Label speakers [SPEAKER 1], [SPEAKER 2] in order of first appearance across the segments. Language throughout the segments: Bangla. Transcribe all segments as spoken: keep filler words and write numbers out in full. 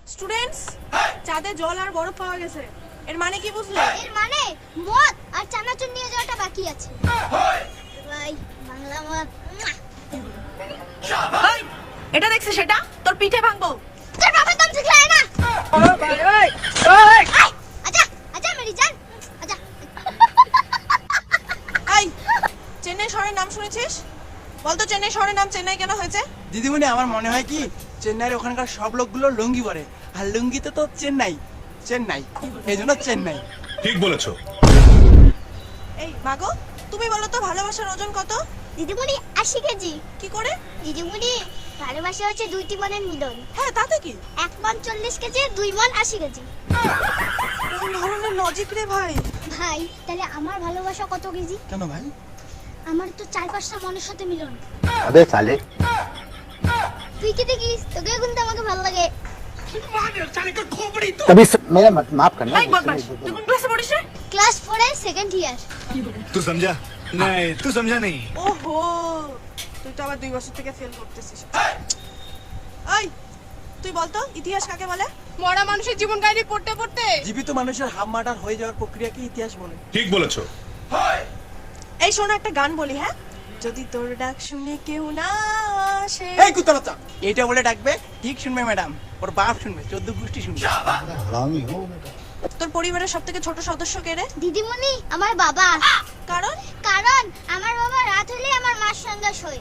[SPEAKER 1] স্টুডেন্টস, চাঁদে জল আর বরফ পাওয়া গেছে। এর মানে কি বুঝলে?
[SPEAKER 2] এর মানে মদ আর চানাচুর নিয়ে যাওয়াটা বাকি আছে। ভাই বাংলা মদ।
[SPEAKER 1] এই, এটা দেখছিস সেটা? তোর পিঠে ভাঙবো।
[SPEAKER 2] তোর বাবার দম ঠিক লাগে না।
[SPEAKER 1] ভাই ভাই ভাই
[SPEAKER 2] আচ্ছা আচ্ছা মেরি জান আচ্ছা।
[SPEAKER 1] এই, চেন্নাই শহরের নাম শুনেছিস? বলতো চেন্নাই শহরের নাম চেন্নাই কেন হয়েছে?
[SPEAKER 3] দিদিমণি, আমার মনে হয় কি চেন্নাইয়ের ওখানকার সব লোকগুলো লুঙ্গি পরে, আর লুঙ্গিতে তো চেন্নাই চেন্নাই এই জন্য চেন্নাই।
[SPEAKER 4] ঠিক বলেছো।
[SPEAKER 1] এই মাগো, তুমি বলো তো ভালোবাসার ওজন কত?
[SPEAKER 2] দিদিমণি আশি কেজি।
[SPEAKER 1] কি করে?
[SPEAKER 2] দিদিমণি ভালোবাসা হচ্ছে দুইটি মনের মিলন।
[SPEAKER 1] হ্যাঁ, তাতে কি?
[SPEAKER 2] এক মন চল্লিশ কেজি, দুই মন আশি কেজি।
[SPEAKER 1] কোন ধরনের লজিক রে ভাই?
[SPEAKER 2] ভাই তাহলে আমার ভালোবাসা কত কেজি?
[SPEAKER 3] কেন ভাই?
[SPEAKER 2] আমার তো চার পাঁচটা মনের সাথে মিলন।
[SPEAKER 5] अबे साले
[SPEAKER 2] তুই কি দেখিস? তোকেও কিন্তু আমাকে ভালো লাগে।
[SPEAKER 5] कभी स... मेरा मत माफ करना
[SPEAKER 1] এই বদমাশ, তুই কোন ক্লাসে পড়িস রে?
[SPEAKER 2] ক্লাস ফোরের সেকেন্ড ইয়ার।
[SPEAKER 4] तू समझा? नहीं तू समझा नहीं।
[SPEAKER 1] ওহো, তুই তো আবার দুই বছর থেকে ফেল করতেছিস। এই, তুই বলতো ইতিহাস কাকে বলে? মরা মানুষের জীবন কাহিনী পড়তে পড়তে
[SPEAKER 3] জীবিত মানুষের হাফ মার্টার হয়ে যাওয়ার প্রক্রিয়াকে ইতিহাস বলে।
[SPEAKER 4] ঠিক বলেছো।
[SPEAKER 1] এই শোনো, একটা গান বলি, হ্যাঁ? যদি তোর ডাক শুনে কেউ না আসে।
[SPEAKER 3] এই কুত্তাবাচ্চা, এটা বলে ডাকবে, ঠিক শুনবে ম্যাডাম, ওর বাপ শুনবে, চোদ্দ গোষ্ঠী শুনবে।
[SPEAKER 5] हरामी हो बेटा
[SPEAKER 1] তোর পরিবারের সব থেকে ছোট সদস্য কে রে?
[SPEAKER 2] দিদিমণি আমার বাবা।
[SPEAKER 1] কারণ
[SPEAKER 2] কারণ আমার বাবা রাত হলে আমার মার সঙ্গে শোয়।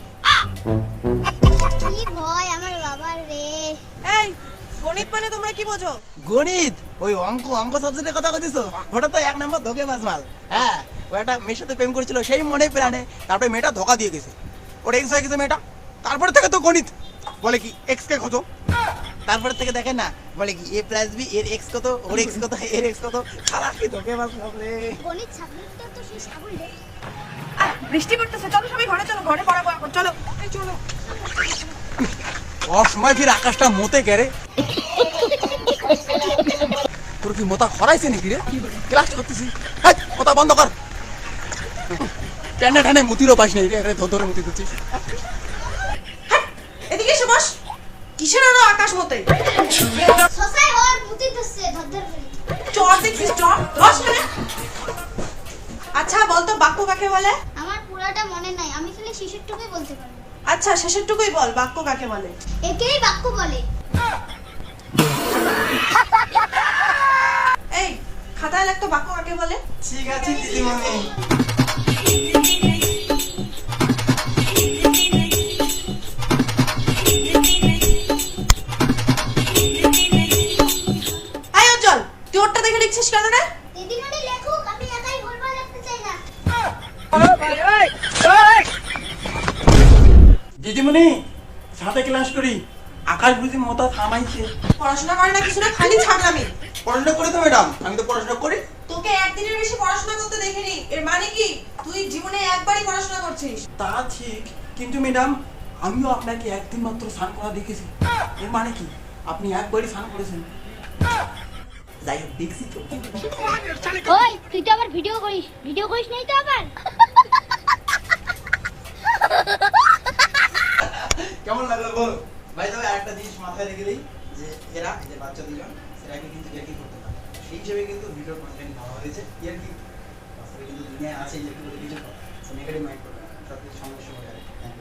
[SPEAKER 2] কি ভয় আমার বাবার রে।
[SPEAKER 1] এই, গণিত মানে তোমরা কি বোঝো?
[SPEAKER 3] গণিত, ওই অঙ্ক অঙ্ক সাবজেক্টের কথা বলছিস? ওটা তো এক নম্বর ধোকে বাজমাল। হ্যাঁ, ও একটা মেয়ের সাথে প্রেম করেছিল, সেই মনে প্রাণে, তারপরে মেয়েটা ধোকা দিয়ে গেছে, ওর এক্স হয়ে গেছে মেয়েটা। তারপরে থেকে তো গণিত বলে কি এক্স কে কত, তারপরে থেকে দেখে না বলে কি এ প্লাস বি এর এক্স কত, ওর এক্স কত, এর এক্স কত। খারাপ কি ধোকে বাজমাল রে।
[SPEAKER 2] গণিত সাবজেক্টটা তো সেই সাবল রে।
[SPEAKER 1] আহ, বৃষ্টি পড়তেছে, চলো সবাই ঘরে চলো, ঘরে পড়াবো এখন, চলো। এই চলো।
[SPEAKER 3] ওর সময় ফির আকাশটা মতে গেরে। তোর কি মোতা খরাইছে নাকি রে? ক্লাস করতেছি, হাই মোতা বন্ধ কর। টানে টানে মুতিরও পাস নেই রে, ধর ধরে মুতি দিচ্ছিস।
[SPEAKER 1] এদিকে এসে বস। কিসের আরো আকাশ মতে?
[SPEAKER 2] সসাই ওর মুতি দিচ্ছে ধরধর করে।
[SPEAKER 1] চর দেখছিস, চর বস এখানে। আচ্ছা বলতো বাক্য কাকে বলে?
[SPEAKER 2] আমার পুরাটা মনে নাই, আমি খালি শিশুরটুকুই বলতে পারি।
[SPEAKER 1] আচ্ছা শেষেরটুকুই বল, বাক্য কাকে বলে?
[SPEAKER 2] একেই বাক্য বলে।
[SPEAKER 1] এই, খাতায় লাগতো বাক্য কাকে বলে?
[SPEAKER 3] ঠিক আছে দিদিমণি।
[SPEAKER 1] এই উজ্জ্বল, তুই ওরটা দেখে লিখছিস কেন রে?
[SPEAKER 2] দিদিমণি লেখুক, আমি একাই ভুলভাল লিখতে চাই না।
[SPEAKER 3] দিদিমণি, সাথে ক্লাস করি, আকাশ বুঝি মোতা থামাইছে।
[SPEAKER 1] পড়াশোনা করে না কিছু না, খালি ছাগলামি।
[SPEAKER 3] পড়াশোনা করে তো ম্যাডাম, আমি তো পড়াশোনা করি।
[SPEAKER 1] তোকে একদিনের বেশি পড়াশোনা করতে দেখিনি, এর মানে কি তুই জীবনে একবারই পড়াশোনা করছিস?
[SPEAKER 3] তা ঠিক, কিন্তু ম্যাডাম আমিও আপনাকে একদিন মাত্র স্নান করা দেখেছি। এর মানে কি আপনি একবারই স্নান করেছেন? যাই হোক, দেখছি তো।
[SPEAKER 2] ওই তুই তো আবার ভিডিও করিস, ভিডিও করিস নাই তো আবার?
[SPEAKER 3] কেমন লাগলো বল ভাই? তবে একটা জিনিস মাথায় রেখে দিই, যে এরা এই যে বাচ্চা দুজন সেটাকে কিন্তু ইয়ার্কি করতে পারে, সেই হিসেবে কিন্তু ভিডিও কন্টেন্ট ভালো হয়েছে। ইয়ার্কি বাস্তবে কিন্তু দুনিয়ায় আছে ইয়ার্কি বলে কিছু, নেগেটিভ মাইন্ড করবে না, সব কিছু সমস্যা হয়ে যাবে।